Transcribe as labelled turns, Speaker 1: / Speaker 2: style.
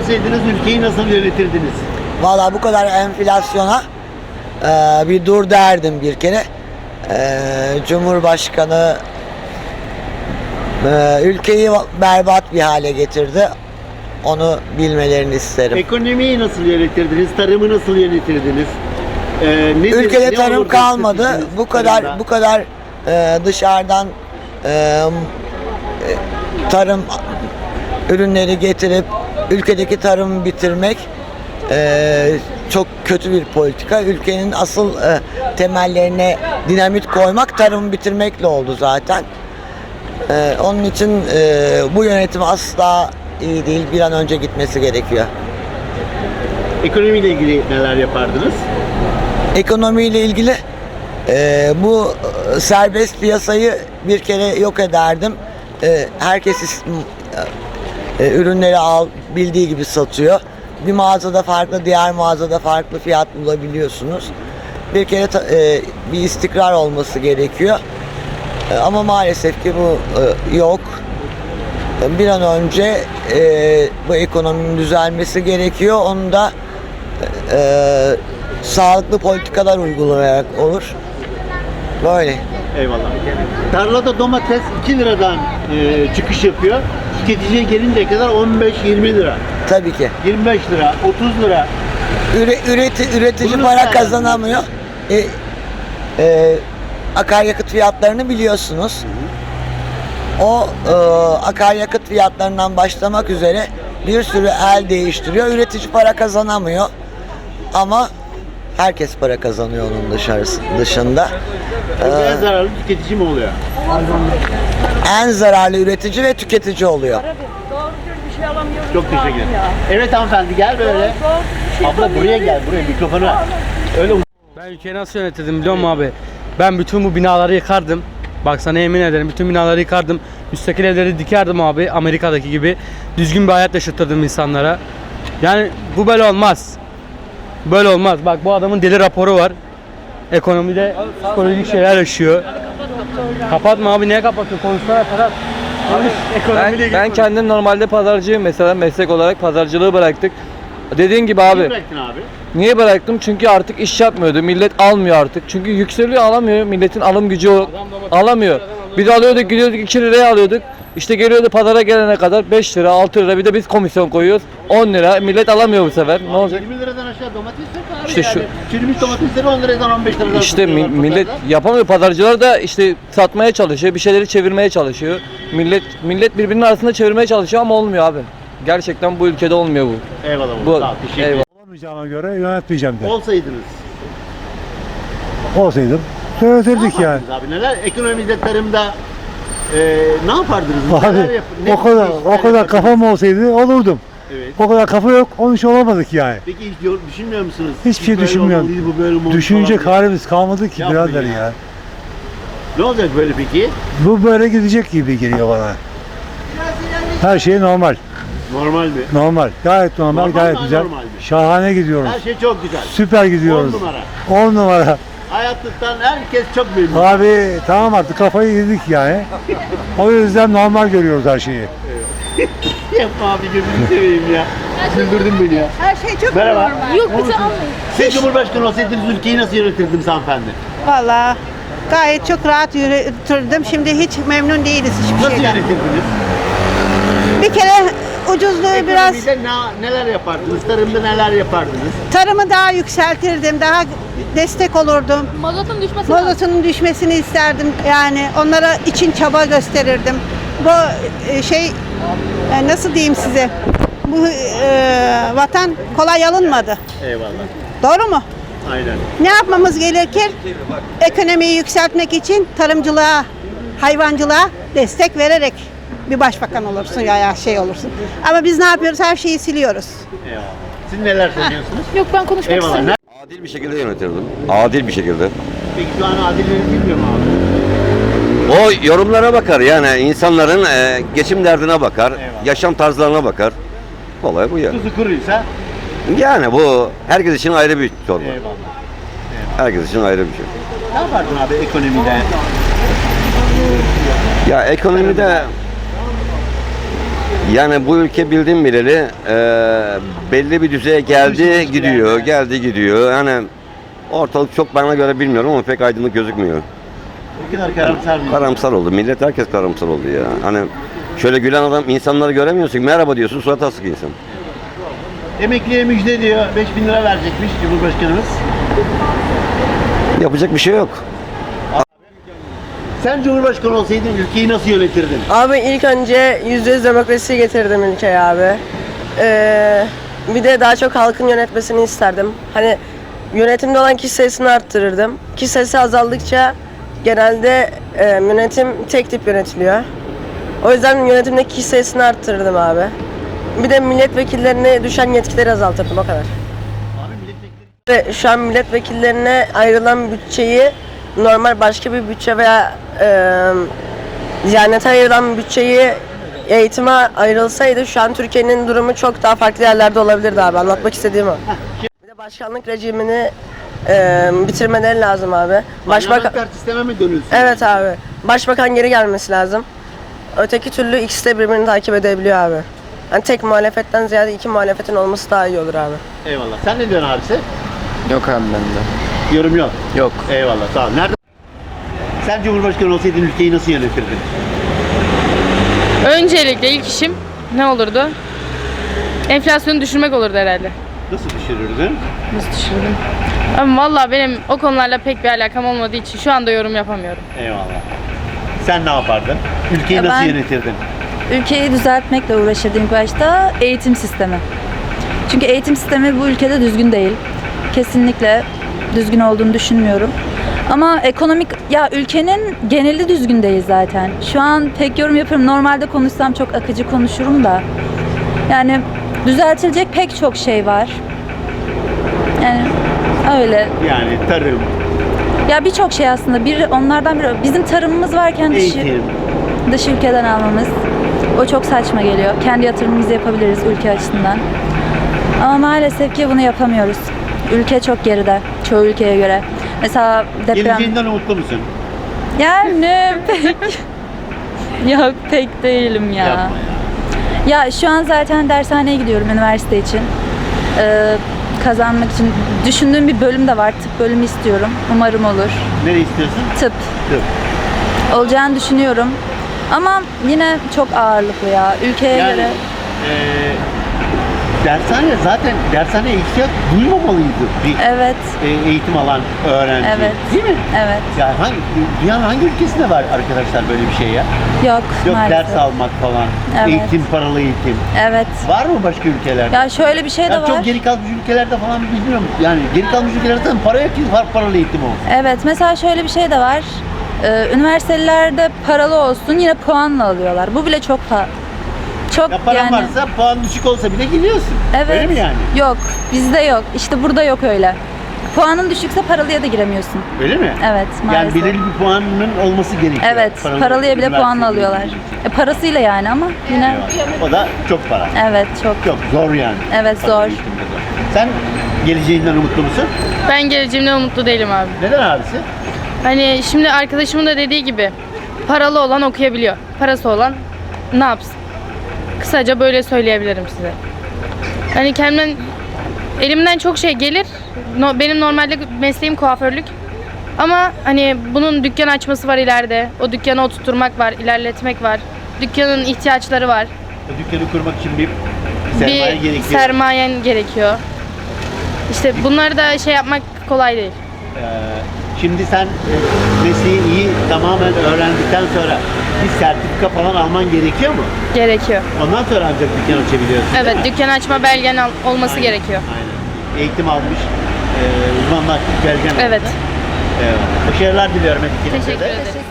Speaker 1: olsaydınız ülkeyi nasıl yönetirdiniz?
Speaker 2: Vallahi bu kadar enflasyona bir dur derdim bir kere. Cumhurbaşkanı ülkeyi berbat bir hale getirdi. Onu bilmelerini isterim.
Speaker 1: Ekonomiyi nasıl yönetirdiniz? Tarımı nasıl yönetirdiniz?
Speaker 2: Ülkede tarım
Speaker 1: olurdu
Speaker 2: kalmadı.
Speaker 1: stratejiniz
Speaker 2: Bu
Speaker 1: tarımda?
Speaker 2: kadar dışarıdan tarım ürünleri getirip ülkedeki tarımı bitirmek çok kötü bir politika. Ülkenin asıl temellerine dinamit koymak tarımı bitirmekle oldu zaten. Onun için bu yönetim asla iyi değil. Bir an önce gitmesi gerekiyor.
Speaker 1: Ekonomiyle ilgili neler yapardınız?
Speaker 2: Ekonomiyle ilgili bu serbest piyasayı bir kere yok ederdim. Herkes ürünleri bildiği gibi satıyor. Bir mağazada farklı, diğer mağazada farklı fiyat bulabiliyorsunuz. Bir kere bir istikrar olması gerekiyor. Ama maalesef ki bu yok. Bir an önce bu ekonominin düzelmesi gerekiyor. Onu da sağlıklı politikalar uygulayarak olur. Böyle.
Speaker 1: Eyvallah. Tarlada domates 2 liradan çıkış yapıyor. Tüketiciye gelinceye kadar 15-20 lira.
Speaker 2: Tabii ki.
Speaker 1: 25 lira, 30 lira.
Speaker 2: Üretici
Speaker 1: Bunu
Speaker 2: para
Speaker 1: nasıl
Speaker 2: kazanamıyor. Akaryakıt fiyatlarını biliyorsunuz. O akaryakıt fiyatlarından başlamak üzere bir sürü el değiştiriyor. Üretici para kazanamıyor. Ama herkes para kazanıyor onun dışında.
Speaker 1: En zararlı tüketici mi oluyor?
Speaker 2: En zararlı ületici ve tüketici oluyor.
Speaker 1: Çok teşekkür ederim. Evet hanımefendi gel böyle. Abla buraya gel, buraya mikrofona. Öyle
Speaker 3: Ben ülkeyi nasıl yönetirdim biliyor musun abi? Ben bütün bu binaları yıkardım. Bak sana yemin ederim bütün binaları yıkardım. Müstakil evleri dikerdim abi Amerika'daki gibi. Düzgün bir hayat yaşatırdım insanlara. Yani bu böyle olmaz. Böyle olmaz. Bak bu adamın deli raporu var. Ekonomide psikolojik şeyler yaşıyor. Kapatma abi, niye kapatıyorsun? Konuşsana Ferhat.
Speaker 4: Ben kendim normalde pazarcıyım mesela, meslek olarak pazarcılığı bıraktık. Dediğin gibi abi.
Speaker 1: Niye bıraktın abi?
Speaker 4: Niye bıraktım? Çünkü artık iş yapmıyordu. Millet almıyor artık. Çünkü yükseliyor, alamıyor. Milletin alım gücü alamıyor. Biz alıyorduk, gidiyorduk 2 liraya alıyorduk. İşte geliyordu pazara gelene kadar 5 lira, 6 lira, bir de biz komisyon koyuyoruz. 10 lira. Millet alamıyor bu sefer. Ne olacak?
Speaker 1: 20 liradan aşağı domates yok abi
Speaker 4: İşte
Speaker 1: yani.
Speaker 4: şu-
Speaker 1: Çürümüş domatesleri 10 liradan 15 liradan
Speaker 4: İşte
Speaker 1: satıyorlar
Speaker 4: millet
Speaker 1: pazarda.
Speaker 4: yapamıyor. Pazarcılar da işte satmaya çalışıyor. Bir şeyleri çevirmeye çalışıyor. Millet birbirinin arasında çevirmeye çalışıyor ama olmuyor abi. Gerçekten bu ülkede olmuyor bu.
Speaker 1: Eyvallah.
Speaker 4: Bu-
Speaker 1: Sağ ol, teşekkür
Speaker 4: eyvallah.
Speaker 1: ederim.
Speaker 5: Olamayacağıma göre yönetmeyeceğim de.
Speaker 1: Olsaydınız.
Speaker 5: Olsaydım
Speaker 1: Ne
Speaker 5: söyletirdik yani.
Speaker 1: yapardınız abi? Neler? Ekonomide, tarımda ne yapardınız?
Speaker 5: Abi
Speaker 1: Ne
Speaker 5: o kadar
Speaker 1: yapardınız?
Speaker 5: kafam olsaydı olurdum.
Speaker 1: Evet.
Speaker 5: O kadar kafa yok, onun için olamadık yani.
Speaker 1: Peki hiç düşünmüyor musunuz?
Speaker 5: Hiçbir şey
Speaker 1: Böyle
Speaker 5: düşünmüyorum.
Speaker 1: olmalıydı, bu böyle olmalıydı
Speaker 5: Düşünecek
Speaker 1: falan diye.
Speaker 5: halimiz kalmadı ki
Speaker 1: Yapmayın
Speaker 5: birader
Speaker 1: ya.
Speaker 5: ya.
Speaker 1: Ne olacak böyle peki?
Speaker 5: Bu böyle gidecek gibi geliyor bana. Her şey normal.
Speaker 1: Normal mi?
Speaker 5: Normal. Gayet normal,
Speaker 1: Normal
Speaker 5: gayet
Speaker 1: mi,
Speaker 5: güzel.
Speaker 1: anormal mi?
Speaker 5: Şahane gidiyoruz.
Speaker 1: Her şey çok güzel.
Speaker 5: Süper gidiyoruz.
Speaker 1: 10 numara.
Speaker 5: 10 numara.
Speaker 1: Hayatlıktan herkes çok memnun.
Speaker 5: Abi tamam artık kafayı yedik yani. O yüzden normal görüyoruz her şeyi.
Speaker 1: Yapma abi, gözünü seveyim ya. Güldürdün beni ya.
Speaker 6: Her şey çok
Speaker 1: Merhaba.
Speaker 6: normal. Yok bizi almayın.
Speaker 1: Siz Cumhurbaşkanı olsaydınız ülkeyi nasıl yönetirdiniz hanımefendi?
Speaker 6: Valla gayet çok rahat yürütürdüm. Şimdi hiç memnun değiliz hiçbir
Speaker 1: Nasıl
Speaker 6: şeyden.
Speaker 1: yönetirdiniz?
Speaker 6: Bir kere ucuzluğu biraz,
Speaker 1: Ekonomide neler yapardınız? Tarımda neler yapardınız?
Speaker 6: tarımı daha yükseltirdim. Daha destek olurdum.
Speaker 7: Mazotun düşmesi lazım.
Speaker 6: Mazotunun düşmesini isterdim. Yani onlara için çaba gösterirdim. Bu nasıl diyeyim size? Bu vatan kolay alınmadı.
Speaker 1: Eyvallah.
Speaker 6: Doğru mu?
Speaker 1: Aynen.
Speaker 6: Ne yapmamız gerekir? Ekonomiyi yükseltmek için tarımcılığa, hayvancılığa destek vererek bir başbakan olursun ya şey olursun. Ama biz ne yapıyoruz? Her şeyi siliyoruz.
Speaker 1: Eyvallah. Siz neler söylüyorsunuz?
Speaker 7: Yok, ben konuşmak
Speaker 1: Eyvallah.
Speaker 7: istemiyorum.
Speaker 8: Adil bir şekilde yönetirdim. Adil bir şekilde.
Speaker 1: Peki şu an adil yönetilmiyor mu abi?
Speaker 8: O yorumlara bakar yani insanların geçim derdine bakar,
Speaker 1: Eyvallah.
Speaker 8: yaşam tarzlarına bakar. Olay bu yani.
Speaker 1: Tuzu kuruysa
Speaker 8: Yani bu herkes için ayrı bir çorba.
Speaker 1: eyvallah.
Speaker 8: Herkes için ayrı bir şey.
Speaker 1: Ne yapardın abi ekonomide?
Speaker 8: Ya ekonomide Yani bu ülke bildiğim bileli belli bir düzeye geldi gidiyor, geldi gidiyor. Yani ortalık çok bana göre bilmiyorum ama pek aydınlık gözükmüyor.
Speaker 1: O kadar karamsar mı?
Speaker 8: Karamsar oldu. Millet herkes karamsar oldu ya. Hani şöyle gülen adam insanları göremiyorsun. Merhaba diyorsun, surat asık insan.
Speaker 1: Emekliye müjde diyor. 5.000 lira verecekmiş Cumhurbaşkanımız.
Speaker 8: Yapacak bir şey yok.
Speaker 1: Sen Cumhurbaşkanı olsaydın ülkeyi nasıl yönetirdin?
Speaker 7: Abi ilk önce %100 demokrasiyi getirdim ülkeye abi. Bir de daha çok halkın yönetmesini isterdim. Hani yönetimde olan kişi sayısını arttırırdım. Kişi sayısı azaldıkça genelde yönetim tek tip yönetiliyor. O yüzden yönetimdeki kişi sayısını arttırırdım abi. Bir de milletvekillerine düşen yetkileri azaltırdım, o kadar. Ve şu an milletvekillerine ayrılan bütçeyi normal başka bir bütçe veya Diyanete ayrılan bütçeyi eğitime ayrılsaydı şu an Türkiye'nin durumu çok daha farklı yerlerde olabilirdi abi. Anlatmak istediğim o. Bir de başkanlık rejimini bitirmeleri lazım abi.
Speaker 1: Parlamenter sisteme mi dönülsün?
Speaker 7: Evet abi. Başbakan geri gelmesi lazım. Öteki türlü ikisi de birbirini takip edebiliyor abi. Yani tek muhalefetten ziyade iki muhalefetin olması daha iyi olur abi.
Speaker 1: Eyvallah. Sen ne diyorsun abisi?
Speaker 4: Yok abi bende.
Speaker 1: Yorum yok.
Speaker 4: Yok.
Speaker 1: Eyvallah. Sağ ol. Nerede? Sen Cumhurbaşkanı olsaydın ülkeyi nasıl yönetirdin?
Speaker 9: Öncelikle ilk işim ne olurdu? Enflasyonu düşürmek olurdu herhalde.
Speaker 1: Nasıl düşürürdün?
Speaker 9: Nasıl düşürdüm? Ama vallahi benim o konularla pek bir alakam olmadığı için şu anda yorum yapamıyorum.
Speaker 1: Eyvallah. Sen ne yapardın? Ülkeyi
Speaker 10: Ya
Speaker 1: nasıl
Speaker 10: ben-
Speaker 1: yönetirdin?
Speaker 10: Ülkeyi düzeltmekle uğraşırdım ilk başta, eğitim sistemi. Çünkü eğitim sistemi bu ülkede düzgün değil. Kesinlikle düzgün olduğunu düşünmüyorum. Ama ekonomik, ya ülkenin geneli düzgün değil zaten. Şu an pek yorum yapıyorum. Normalde konuşsam çok akıcı konuşurum da. Yani düzeltilecek pek çok şey var. Yani öyle.
Speaker 1: Yani tarım,
Speaker 10: Ya birçok şey aslında. Onlardan biri. Bizim tarımımız varken
Speaker 1: eğitim.
Speaker 10: dış ülkeden almamız. O çok saçma geliyor. Kendi yatırımımızı yapabiliriz ülke açısından. Ama maalesef ki bunu yapamıyoruz. Ülke çok geride çoğu ülkeye göre. Mesela deprem...
Speaker 1: Geleceğinden umutlu musun?
Speaker 10: Yani pek... Yok pek değilim ya.
Speaker 1: Yapma
Speaker 10: Ya şu an zaten dershaneye gidiyorum üniversite için. Kazanmak için. Düşündüğüm bir bölüm de var. Tıp bölümü istiyorum. Umarım olur.
Speaker 1: Nereye istiyorsun?
Speaker 10: Tıp.
Speaker 1: Tıp.
Speaker 10: Olacağını düşünüyorum. Ama yine çok ağırlıklı ya. Ülkeye
Speaker 1: Yani
Speaker 10: göre.
Speaker 1: dershaneye ihtiyaç duymamalıydı bir
Speaker 10: Evet.
Speaker 1: eğitim alan öğrenci.
Speaker 10: Evet.
Speaker 1: Değil mi?
Speaker 10: Evet.
Speaker 1: Yani dünyanın hangi ülkesinde var arkadaşlar böyle bir şey ya?
Speaker 10: Yok,
Speaker 1: Yok
Speaker 10: maalesef.
Speaker 1: ders almak falan,
Speaker 10: Evet.
Speaker 1: eğitim, paralı eğitim.
Speaker 10: Evet.
Speaker 1: Var mı başka ülkelerde?
Speaker 10: Ya şöyle bir şey de
Speaker 1: Yani
Speaker 10: var.
Speaker 1: çok geri kalmış ülkelerde falan bilmiyorum. Yani geri kalmış ülkelerde zaten para yok ki paralı eğitim olsun.
Speaker 10: Evet, mesela şöyle bir şey de var. Üniversitelerde paralı olsun yine puanla alıyorlar. Bu bile çok çok
Speaker 1: Ya paran
Speaker 10: yani.
Speaker 1: varsa puan düşük olsa bile gidiyorsun.
Speaker 10: Evet.
Speaker 1: Öyle mi yani?
Speaker 10: Yok, bizde yok. İşte burada yok öyle. Puanın düşükse paralıya da giremiyorsun.
Speaker 1: Öyle mi?
Speaker 10: Evet,
Speaker 1: Yani
Speaker 10: maalesef.
Speaker 1: belirli bir puanın olması gerekiyor.
Speaker 10: Evet, paralıya bile puanla alıyorlar. Parasıyla yani ama yine
Speaker 1: O da çok para.
Speaker 10: evet çok.
Speaker 1: Çok zor yani.
Speaker 10: Evet,
Speaker 1: Paralı
Speaker 10: zor.
Speaker 1: eğitimde zor. Sen geleceğinden umutlu musun?
Speaker 9: Ben geleceğimden umutlu değilim abi.
Speaker 1: Neden abisi?
Speaker 9: Hani şimdi arkadaşımın da dediği gibi paralı olan okuyabiliyor. Parası olan ne yapsın? Kısaca böyle söyleyebilirim size. Hani elimden çok şey gelir. Benim normalde mesleğim kuaförlük. Ama hani bunun dükkan açması var ileride. O dükkanı oturtmak var, ilerletmek var. Dükkanın ihtiyaçları var.
Speaker 1: O dükkanı kurmak için bir sermaye
Speaker 9: Bir
Speaker 1: gerekiyor.
Speaker 9: sermayen gerekiyor. İşte bunları da şey yapmak kolay değil.
Speaker 1: Şimdi sen mesleği iyi tamamen öğrendikten sonra bir sertifika falan alman gerekiyor mu?
Speaker 9: Gerekiyor.
Speaker 1: Ondan sonra ancak dükkan açabiliyorsun.
Speaker 9: Evet, dükkan açma belgen olması
Speaker 1: Aynen,
Speaker 9: gerekiyor.
Speaker 1: Aynen. Eğitim almış, uzmanlaşmış belgen
Speaker 9: Evet.
Speaker 1: oldu. Başarılar diliyorum.
Speaker 9: Teşekkür ederim.